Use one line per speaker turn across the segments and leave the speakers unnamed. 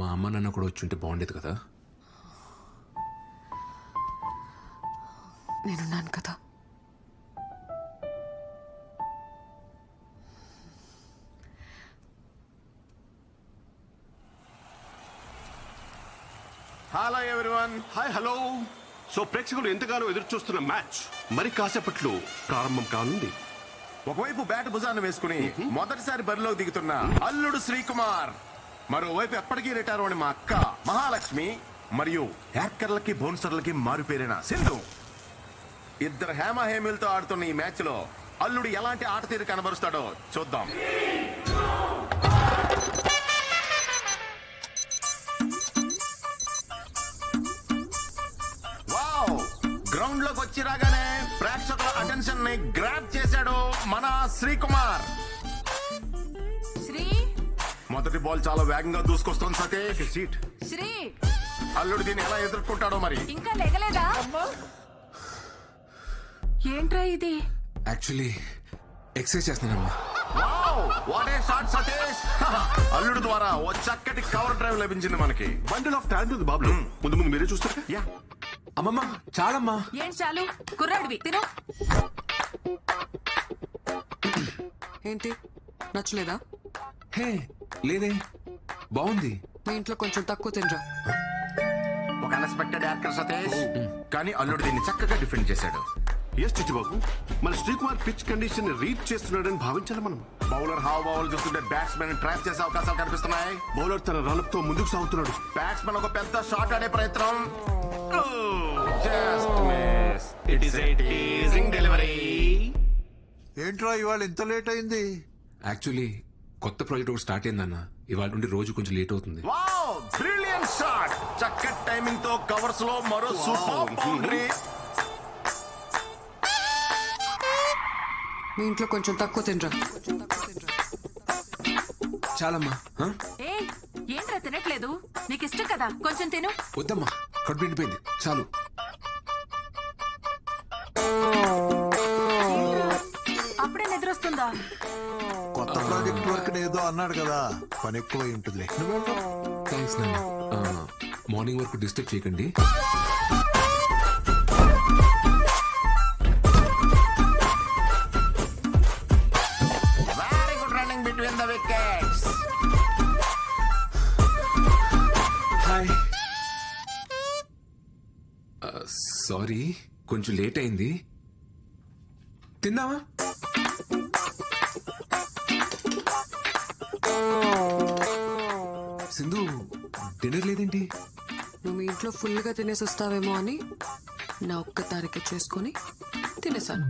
మా అమ్మ నాన్న కూడా వచ్చి ఉంటే బాగుండేది కదా.
నేనున్నాను కదా.
Hello everyone.
Hi hello. So ప్రేక్షకులు ఎంతగానో ఎదురు చూస్తున్న మ్యాచ్ మరి కాసేపట్లో ప్రారంభం కానుంది.
ఒకవైపు బ్యాట్ భుజాన్ని వేసుకుని మొదటిసారి బరిలోకి దిగుతున్న అల్లుడు శ్రీకుమార్, మరోవైపు ఎప్పటికీ రిటైర్ అని మా అక్క మహాలక్ష్మి, మరియు హ్యాకర్లకి బౌన్సర్లకి మారుపేరిన సింధు. ఇద్దరు హేమహేమిలతో ఆడుతున్న ఈ మ్యాచ్ లో అల్లుడు ఎలాంటి ఆట తీరు కనబరుస్తాడో చూద్దాం. గ్రౌండ్ లోకి వచ్చి రాగానే ప్రేక్షకుల అటెన్షన్ ని గ్రాబ్ చేశాడు మన శ్రీకుమార్.
శ్రీ
మొదటి బాల్ చాలా వేగంగా దూసుకొస్తుంది సతీష్. సీట్
శ్రీ
అల్లుడు దీన్ని ఎలా ఎదుర్కొంటాడో మరి.
ఇంకా లేగలేదా? ఏంట్రా ఇది?
యాక్చువల్లీ ఎక్సర్సైజ్ చేస్తున్నానమ్మా.
Wow, what a shot Satish. అల్లుడు ద్వారా ఓ చక్కటి కవర్ డ్రైవ్ లభించింది మనకి.
బండిల్ ఆఫ్ టాలెంట్ ఉంది బాబు. ముందు ముందు మీరే చూస్తారు.
యా,
అమ్మమ్మ చాలమ్మా.
ఏం చాలు, కుర్రాడివి తిను.
ఏంటి నచ్చలేదా?
హే లేదే, బాగుంది.
మీ ఇంట్లో కొంచెం తక్కువ తినరా.
ఒక అన్ఎక్స్పెక్టెడ్ యాక్టర్ సతీష్, కానీ అల్లుడు దీన్ని చక్కగా డిఫెండ్ చేశాడు.
ఎస్ చిట్టుబాబు, మన శ్రీకుమార్ పిచ్ కండిషన్ రీడ్ చేస్తున్నాడని భావించాలి మనం.
బౌలర్ హావ్ చూస్తుంటే బ్యాట్స్మెన్ ట్రాప్ చేసే అవకాశాలు కనిపిస్తున్నాయి.
బౌలర్ తన రన్అప్ తో ముందుకు సాగుతున్నాడు.
బ్యాట్స్మెన్ ఒక పెద్ద షాట్ ఆడే ప్రయత్నం. Just miss. It is a teasing delivery.
ఏంట్రా ఇవాళ ఇంత లేట్ అయింది?
యాక్చువల్లీ కొత్త ప్రాజెక్ట్ ఒకటి స్టార్ట్ అయిందన్న. ఇవాళ నుండి రోజు కొంచెం లేట్ అవుతుంది.
Wow, brilliant shot. చక్కటి టైమింగ్ తో కవర్స్ లో మరో సూపర్ బౌండరీ.
మీ ఇంట్లో కొంచెం తక్కువ తినరా.
చాలమ్మా. హ?
ఏ ఏంట్రా తినట్లేదు? నీకు ఇష్టం కదా, కొంచెం తిను.
వద్దమ్మా, కడుపు నిండిపోయింది, చాలు.
అప్పుడే నిద్రొస్తుందా?
కొత్త ప్రాజెక్ట్ వర్క్ ఏదో అన్నాడు కదా, పని ఎక్కువ ఉంటుంది.
థ్యాంక్స్ నాన్న. మార్నింగ్ వరకు డిస్టర్బ్ చేయకండి.
Very good running between the wickets.
Hi. Sorry, కొంచెం లేట్ అయింది. తిందామా? సింధు, డిన్నర్ లేదేంటి?
నువ్వు మీ ఇంట్లో ఫుల్గా తినేసి వస్తావేమో అని నా ఒక్క తారీఖు చేసుకొని తినేసాను.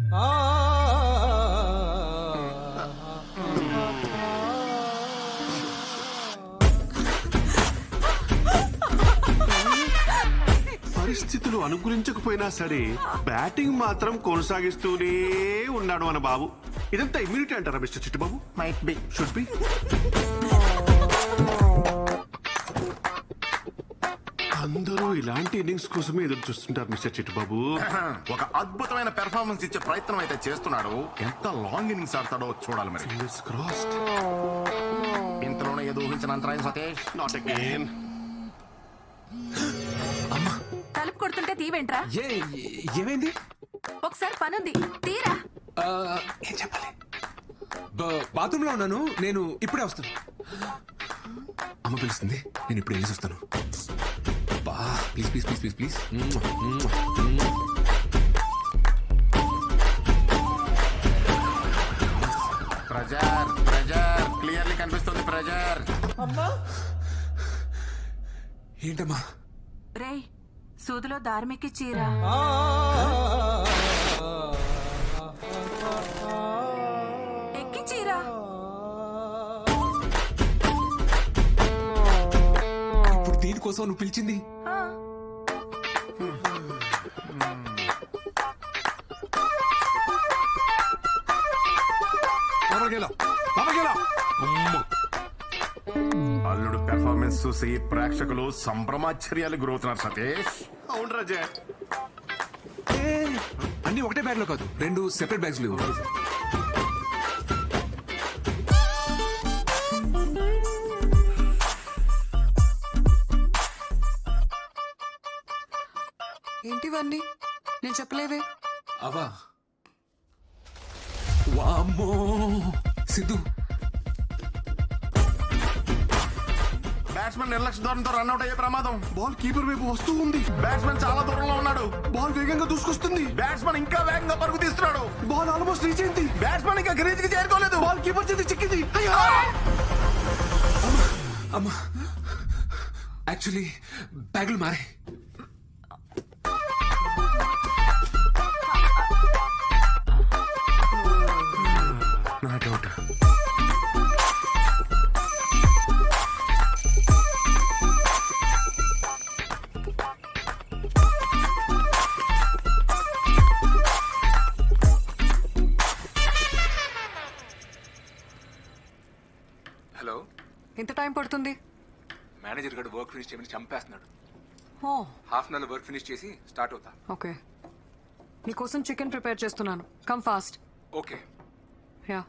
పరిస్థితులు అనుకూలించకపోయినా సరే బ్యాటింగ్ మాత్రం కొనసాగిస్తూనే ఉన్నాడు మన బాబు. ఇదంతా ఇమ్యూనిటీ అంటారా Mister Chittibabu?
Might be.
Should be. అందరూ ఇలాంటి ఇన్నింగ్స్ కోసమే ఎదురు చూస్తుంటారు మిస్టర్ చిట్టుబాబు.
ఒక అద్భుతమైన పెర్ఫార్మెన్స్ ఇచ్చే ప్రయత్నం అయితే చేస్తున్నాడు. ఎంత లాంగ్ ఇన్నింగ్స్ ఆడతాడో చూడాలి మరి.
Fingers crossed.
ఇంతలోనే ఏదో ఊహించిన అంతరాయం సతీష్.
Not again.
తలుపు కొడుతుంటే తీవేంట్రా?
ఏమైంది?
ఒకసారి పనుంది, తీరా.
ఏం చెప్పాలి? బాత్రూమ్ లో ఉన్నాను, నేను ఇప్పుడే వస్తాను. అమ్మ పిలుస్తుంది, నేను ఇప్పుడు వెళ్ళేసి వస్తాను. Please please please please please.
Pressure pressure clearly కనిపిస్తుంది. ప్రెజర్.
ఏంటమ్మా?
రేయ్, సూదిలో దార్మికి చీరా. ఎక్కి చీరా.
ఇప్పుడు దీనికోసం నువ్వు పిలిచింది?
ఆ,
అల్లుడు పెర్ఫార్మెన్స్ చూసి ప్రేక్షకులు సంభ్రమాశ్చర్యాలు గురవుతున్నారు సతీష్.
అవును రాజా.
అన్ని ఒకటే బ్యాగ్ లో కాదు, 2 సెపరేట్ బ్యాగ్స్ లేవు.
ఏంటివన్నీ నేను చెప్పలేవే.
అవా వామ్మో సిద్ధు,
బ్యాట్స్మెన్ నిర్లక్ష్య ధోరణితో రన్అట్ అయ్యే ప్రమాదం.
బాల్ కీపర్ వైపు వస్తూ ఉంది.
బ్యాట్స్మెన్ చాలా దూరంలో ఉన్నాడు.
బాల్ వేగంగా దూసుకొస్తుంది.
బ్యాట్స్మెన్ ఇంకా వేగంగా పరుగు తీస్తున్నాడు.
బాల్ ఆల్మోస్ట్ రీచ్ అయింది.
బ్యాట్స్మెన్ ఇంకా గ్రీజ్ కి చేరుకోలేదు.
బాల్ కీపర్ చేతి చిక్కింది. అయ్యో!
అమ్మా యాక్చువల్లీ బ్యాగులు మారే.
నా డౌట్.
హలో,
ఎంత టైం పడుతుంది?
మేనేజర్ గడు వర్క్ ఫినిష్ చేయమని చంపేస్తున్నాడు.
ఓ
half an hour work finish చేసి స్టార్ట్ అవుతా.
ఓకే, నీకోసం చికెన్ ప్రిపేర్ చేస్తున్నాను. Come fast.
Okay.
Yeah.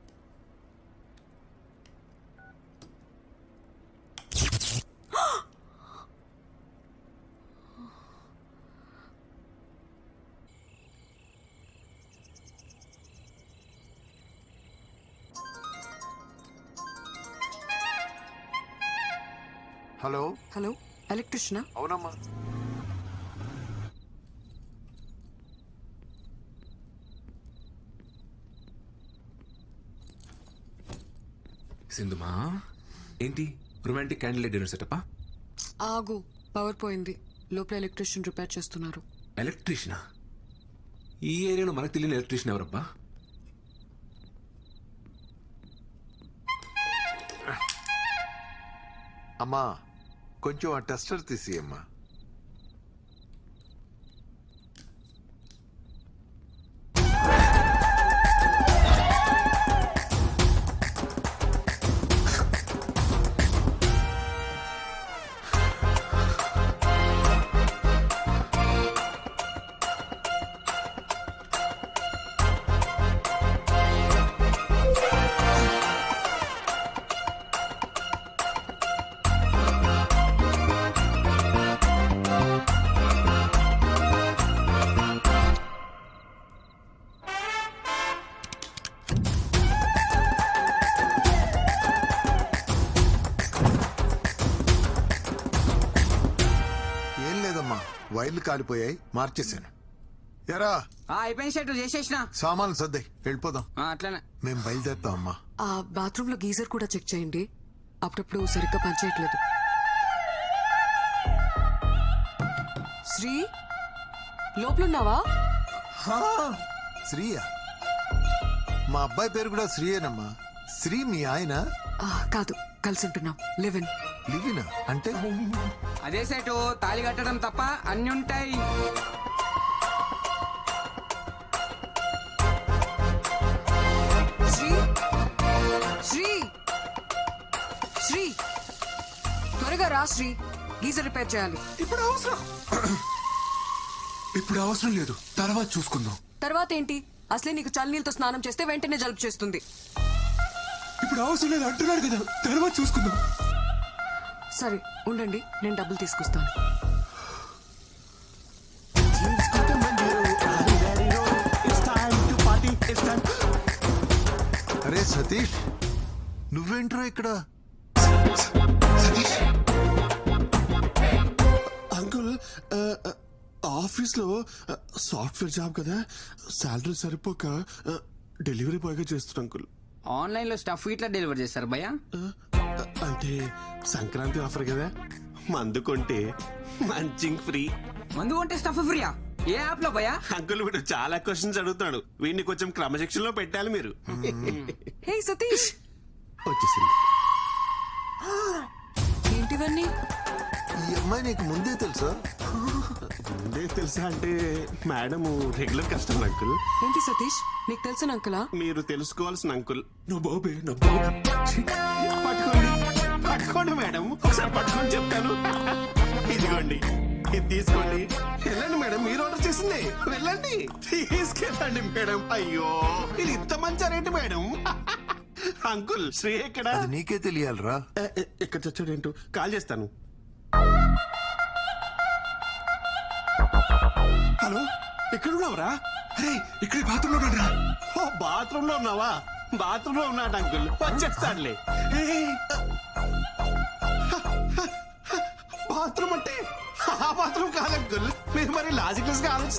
Hello
hello, ఎలక్ట్రిషియనా?
అవునమ్మా.
సింధుమా ఏంటి రొమాంటిక్ క్యాండిల్ డిన్నర్ సెటప్పా?
ఆగు, పవర్ పోయింది. లోపల ఎలక్ట్రిషియన్ రిపేర్ చేస్తున్నారు.
ఎలక్ట్రీషియనా? ఈ ఏరియాలో మనకు తెలియని ఎలక్ట్రీషియన్ ఎవరబ్బా?
అమ్మా కొంచెం ఆ టెస్టర్ తీసి అమ్మా. ఏం లేదమ్మా, వైర్లు కాలిపోయాయి, మార్చేశాను. ఎరా
అయిపోయింది షర్టు చేసేసిన
సామాన్లు సర్దాయి, వెళ్ళిపోదాం.
అట్లనే
మేము బయలుదేరుతాం అమ్మా.
ఆ బాత్రూమ్ లో గీజర్ కూడా చెక్ చేయండి. అప్పుడప్పుడు సరిగ్గా పనిచేయట్లేదు. శ్రీ, లోపలున్నావా?
శ్రీయా? మా అబ్బాయి పేరు కూడా శ్రీయేనమ్మా. శ్రీ మీ ఆయన?
కాదు, కలిసి ఉంటున్నాం. లివిన్.
లివినా అంటే?
అదే సెటు తాళి కట్టడం తప్ప అన్ని ఉంటాయి.
శ్రీ, శ్రీ, శ్రీ, త్వరగా రా శ్రీ, గీజర్ రిపేర్ చేయాలి.
ఇప్పుడు అవసరం లేదు, తర్వాత చూసుకుందాం.
తర్వాత ఏంటి? అసలే నీకు చల్లనీళ్ళతో స్నానం చేస్తే వెంటనే జలుబు చేస్తుంది.
ఇప్పుడు అవసరం లేదు అంటున్నాడు కదా, తర్వాత చూసుకుందాం.
సరే ఉండండి, నేను డబ్బులు తీసుకొస్తాను.
అరే సతీష్, నువ్వేంట్రా ఇక్కడ?
అంకుల్ ఆఫీస్ లో సాఫ్ట్వేర్ జాబ్ కదా, శాలరీ సరిపోక డెలివరీ బాయ్ గా చేస్తున్నా అంకుల్.
ఆన్లైన్ లో స్టఫ్ ఇట్లా డెలివర్ చేస్తారు భయ్యా.
అంటే సంక్రాంతి ఆఫర్ కదా, మందు కొంటే మంచింగ్ ఫ్రీ.
మందు కొంటే స్టఫ్ ఫ్రీయా? ఏ యాప్ లో భయ్యా?
అంకుల్ వీడు చాలా క్వశ్చన్స్ అడుగుతాడు, వీడిని కొంచెం క్రమశిక్షణ లో పెట్టాలి మీరు.
హే సతీష్,
వచ్చేసింది.
ఏంటివన్నీ?
ఈ అమ్మాయి నీకు ముందే తెలుసా?
ముందే తెలుసా అంటే మేడం రెగ్యులర్ కస్టమర్ అంకుల్.
ఏంటి సతీష్, నీకు తెలిసిన అంకులా?
మీరు తెలుసుకోవాల్సిన అంకుల్.
నా బాబే, నా బాబే.
పట్టుకోండి పట్టుకోండి మేడం, ఒకసారి పట్టుకొని చెప్తాను. ఇదిగోండి, ఇది తీసుకోండి. వెళ్ళండి మేడం, మీరు ఆర్డర్ చేసింది. వెళ్ళండి, తీసుకెళ్ళండి మేడం. అయ్యో, ఇది ఇంత మంచి రేటు మేడం. అంకుల్ శ్రీ ఎక్కడ?
అది నీకే తెలియాలరా.
ఎక్కడ చచ్చాడు ఏంటో, కాల్ చేస్తాను. హలో ఎక్కడున్నావురా?
అరే ఇక్కడే బాత్రూంలో ఉన్నాడురా.
ఓ బాత్రూమ్ లో ఉన్నావా? బాత్రూమ్ లో ఉన్నాడు అంకుల్, వచ్చేస్తాడులే. బాత్రూమ్ అంటే ఆ బాత్రూమ్ కాదు అంకుల్, మీరు మరి లాజికల్స్ గా ఆలోచిస్తారు.